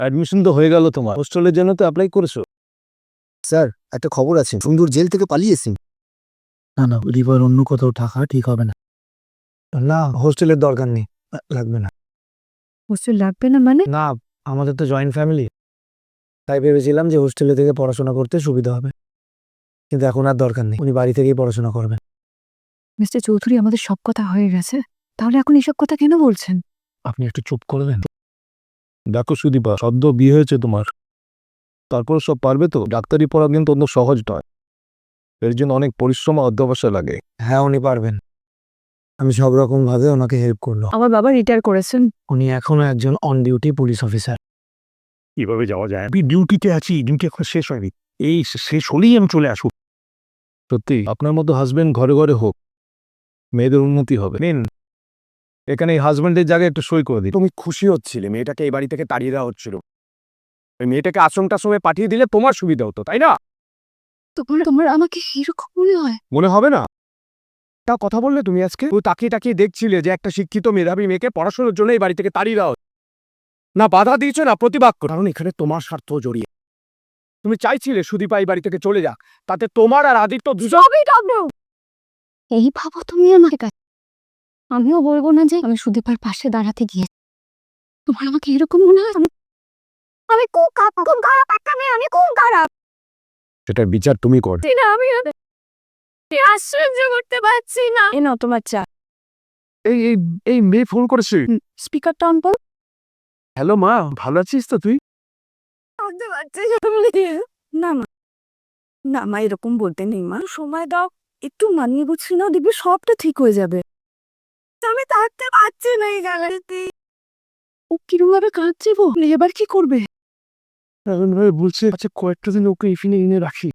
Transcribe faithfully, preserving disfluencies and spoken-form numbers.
Admission তো হয়ে গেল তোমার, হোস্টেলের জন্য তো অ্যাপ্লাই করেছো? স্যার একটা খবর আছে, সুন্দর জেল থেকে পালিয়েছি। না না রিভার অন্য কোথাও থাকা ঠিক হবে না। না, হোস্টেলের দরকার নেই, লাগবে না। হোস্টেল লাগবে না মানে? না, আমাদের তো জয়েন্ট ফ্যামিলি, তাই ভেবেছিলাম যে হোস্টেলে থেকে পড়াশোনা করতে সুবিধা হবে, কিন্তু এখন আর দরকার নেই, উনি বাড়ি থেকেই পড়াশোনা করবেন। মিস্টার চৌধুরী, আমাদের সব কথা হয়ে গেছে, তাহলে এখন এসব কথা কেন বলছেন? আপনি একটু চুপ করবেন? দেখো সুদীপা, সদ্য বিয়ে হয়েছে তোমার, তারপর সব পারবে তো? ডাক্তারি পড়া কিন্তু অন্য সহজ নয়, এর জন্য অনেক পরিশ্রম আর অধ্যবসায় লাগে। হ্যাঁ, উনি পারবেন, আমি সব রকম ভাবে ওনাকে হেল্প করলো। আমার বাবা রিটায়ার করেছেন। উনি এখনো একজন অন ডিউটি পুলিশ অফিসার। কিভাবে যাওয়া যায়? আমি ডিউটিতে আছি, ডিউটি এখন শেষ হয়নি, এই শেষ হলেই আমি চলে আসবো। সত্যি আপনার মতো হাজবেন্ড ঘরে ঘরে হোক, মেয়েদের উন্নতি হবে। নিন, এখানে এই হাজবেন্ডের জায়গায় একটু সই করে দিন। তুমি খুশি হচ্ছিলে মেয়েটাকে এই বাড়ি থেকে তাড়িয়ে দেওয়া হচ্ছিল, ওই মেয়েটাকে আশ্রম টাশ্রমে পাঠিয়ে দিলে তোমার সুবিধা হতো, তাই না? তোমার তোমার আমাকে এরকম মনে হয়? মনে হবে না? তা কথা বললে তুমি আজকে, ও তাকিয়ে তাকিয়ে দেখছিলে যে একটা শিক্ষিত মেধাবী মেয়েকে পড়াশোনার জন্য এই বাড়ি থেকে তাড়িয়ে দেওয়া হচ্ছে। না বাধা দিয়েছো না প্রতিবাদ করো, কারণ এখানে তোমার স্বার্থ জড়িয়ে। তুমি চাইছিলে সুদীপা এই বাড়ি থেকে চলে যাক, তাতে তোমার আর আদিত্য দুজন। এই ভাবো তুমি আমার কাছে, আমিও বলবো না যে আমি সুদীপার পাশে দাঁড়াতে গিয়ে। তোমার আমাকে এরকম মনে হয়? আমি- আমি খুব খারাপ, খুব খারাপ একটা মেয়ে, আমি খুব খারাপ। সেটার বিচার তুমি কর। না, আমি আর সহ্য করতে পারছি না। এ নাও তোমার চা। এই এই এই মেয়ে ফোন করেছে। স্পিকারটা অন করো। হ্যালো মা, ভালো আছিস তো তুই? করতে পারছি না মা, না মা, এরকম বলতে নেই মা, সময় দাও, একটু মানিয়ে গুছিয়ে নাও, দেখবি সবটা ঠিক হয়ে যাবে। আমি থাকতে পারছি না এই জায়গাতে। ও কিরকম ভাবে কাঁদছে গো, এবার কি করবে? এখন ভাই বলছে আচ্ছা কয়েকটা দিন ওকে এখানে এনে রাখি।